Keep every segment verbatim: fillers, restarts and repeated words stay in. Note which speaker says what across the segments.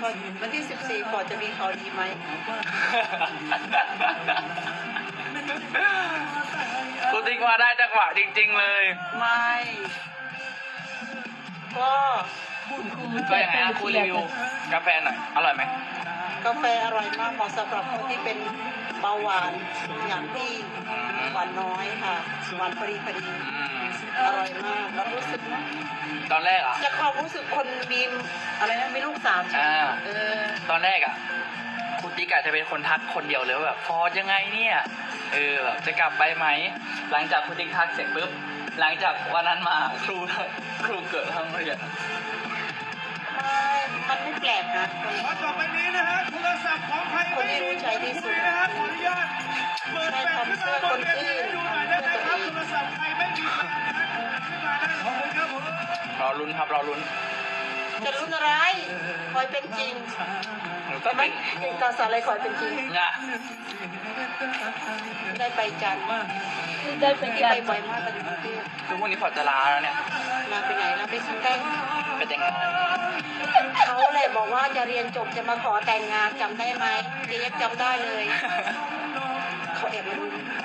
Speaker 1: วันที่สิบสี่ก่อนจะมีข่าวดีไหม
Speaker 2: กูติ๊กมาได้จังหวะจริงๆเลย
Speaker 1: ไม่ก็
Speaker 2: ก็ยังไงอ่ะคุยรีวิวกาแฟหน่อยอร่อยไหม
Speaker 1: กาแฟอร่อยมากเหมาะสำหรับคนที่เป็นเบาหวานอย่างที่หวานน้อยค่ะหวานพอดีพอดีอร่อยมากแล้วรู้สึกนะ
Speaker 2: ตอนแรกอ่ะ
Speaker 1: จะความรู้สึกคนมีอะไรนะมีลูกสาม
Speaker 2: อ่า
Speaker 1: เออ
Speaker 2: ตอนแรกอ่ะคุณติ๊กอาจจะเป็นคนทักคนเดียวเลยว่าแบบฟอร์ยังไงเนี่ยเออแบบจะกลับไปไหมหลังจากคุณติ๊กทักเสร็จปุ๊บหลังจากวันนั้นมาครูครูเกิดทั้งเรียน
Speaker 1: มันไม่แปลกนะ
Speaker 3: คนต่อไปนี้นะฮะโทรศัพท์ของใครไม่มีคุยนะฮะขออนุญาตเปิดแฟลชขึ้นมาบนเวทีให้ดูหน่อยได้ไหมครับโทรศัพท์ใครไม่มีแฟนนะฮะขึ้นมาได้ขอบคุณครับผม
Speaker 2: รอลุ้นครับรอลุ้น
Speaker 1: จะลุ้นอะไรคอยเป็นจริงก็ไม่เอกสารอะไรคอยเป็นจริง
Speaker 2: นะ
Speaker 1: ได้ไปจันทร์
Speaker 4: ได้ไปจันทร์
Speaker 1: ไปบ่อยมากตอนอยู่กรุงเทพ
Speaker 2: ทุกวันนี้พอจะลาแล้วเนี่ย
Speaker 1: ลาไปไหนลาไปชิงแต้ง
Speaker 2: ไปแต่งงาน
Speaker 1: เขาเลยบอกว่าจะเรียนจบจะมาขอแต่งงานจำได้ไหมเจ๊ยังจำได้เลยเขาแอบมาดู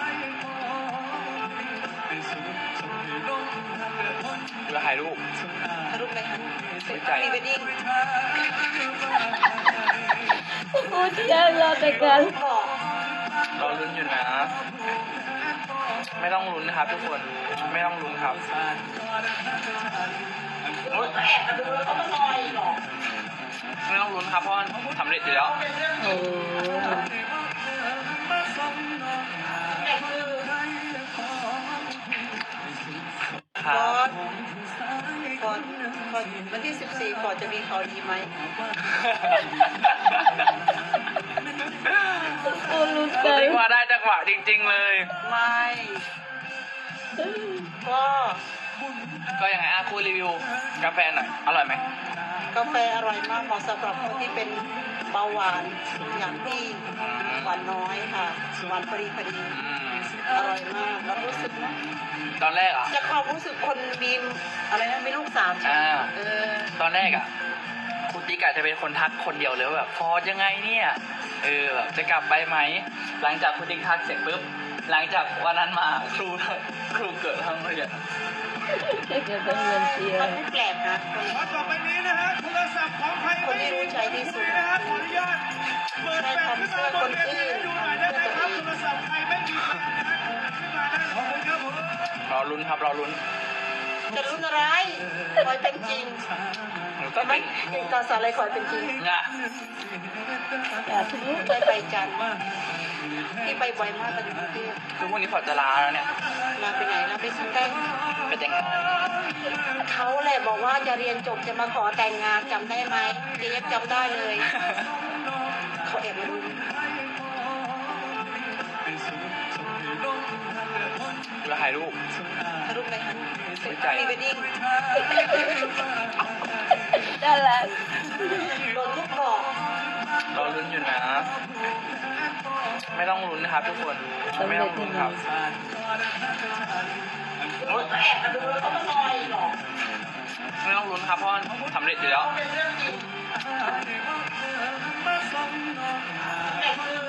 Speaker 2: แล้วถ่ายรูป
Speaker 1: ถ่ายรูปอะไรคะพรีเวดดิ้ง
Speaker 4: โอ้เจ้ารอแต่กัน
Speaker 2: รอลุ้นอยู่นะไม่ต้องลุ้นนะครับทุกคนไม่ต้องลุ้นครับ
Speaker 1: แอบมาดูแล้วเขามาซอยหรอ
Speaker 2: ไม่ต้องลุ้นครับเพราะสำเร็จอยู่แล้ว
Speaker 4: โอ้
Speaker 1: ก่อนก่อนก่อนวันที่สิบสี่ก่อนจะมีข่าวดีไหม
Speaker 4: โอ้ลุ้น
Speaker 2: กูติ๊กมาได้จังหวะจริงๆเลย
Speaker 1: ไม่ก็
Speaker 2: ก็ยังไงอ่ะคุยรีวิวกาแฟหน่อยอร่อยไหม
Speaker 1: กาแฟอร่อยมากเหมาะสำหรับคนที่เป็นเบาหวานอย่างที่หวานน้อยค่ะหวานพอดีพอดีอร่อยมากแล้วรู้สึกนะ
Speaker 2: ตอนแรกอ่ะ
Speaker 1: จะความรู้สึกคนมีอะไรนะมีลูกสาม
Speaker 2: อ่า
Speaker 1: เออ
Speaker 2: ตอนแรกอ่ะคุณติ๊กอาจจะเป็นคนทักคนเดียวเลยว่าแบบฟอร์ยังไงเนี่ยเออแบบจะกลับไปไหมหลังจากคุณติ๊กทักเสร็จปุ๊บหลังจากวันนั้นมาครูครูเกิดทั้งเรียน
Speaker 4: เกิดทั้งเรียนเชียร์
Speaker 1: มันไม่แปลกนะ
Speaker 3: คนต่อไปนี้นะฮะโทรศัพท์ของใครไม่มีคุยนะฮะขออนุญาตเปิดแฟลชขึ้นมาบนเวทีให้ดูหน่อยได้ไหมครับโทรศัพท์ใครไม่มีแฟนนะฮะขึ้นมาได้ขอบคุณครับผม
Speaker 2: รอลุ้นครับรอลุ้น
Speaker 1: จะลุ้นอะไรคอยเป็นจริง
Speaker 2: ก็
Speaker 1: ไม่เอกสารอะไรคอยเป็นจริง
Speaker 2: นะ
Speaker 1: ได้ไปจันทร์ที่ไปบ่อยมากตอนอยู่กรุงเทพ
Speaker 2: ทุกวันนี้พอจะลาแล้วเนี่ย
Speaker 1: ลาไปไหนลาไปชิงแต้ง
Speaker 2: ไปแต่งงาน
Speaker 1: เขาเลยบอกว่าจะเรียนจบจะมาขอแต่งงานจำได้ไหมเจ๊ยังจำได้เลยเขาแอบมาดู
Speaker 2: แล้วถ่ายรูป
Speaker 1: ถ่ายรูปอะไรคะพรีเวดดิ้ง
Speaker 4: ได้แล้ว
Speaker 1: โดนทุกบอก
Speaker 2: รอลุ้นอยู่นะไม่ต้องลุ้นนะครับทุกคนไม่ต้องลุ้นครับ
Speaker 1: แอบมาดูแล้วเขามาซอยหรอ
Speaker 2: ไม่ต้องลุ้นครับเพราะสำเร็จอยู่แล้ว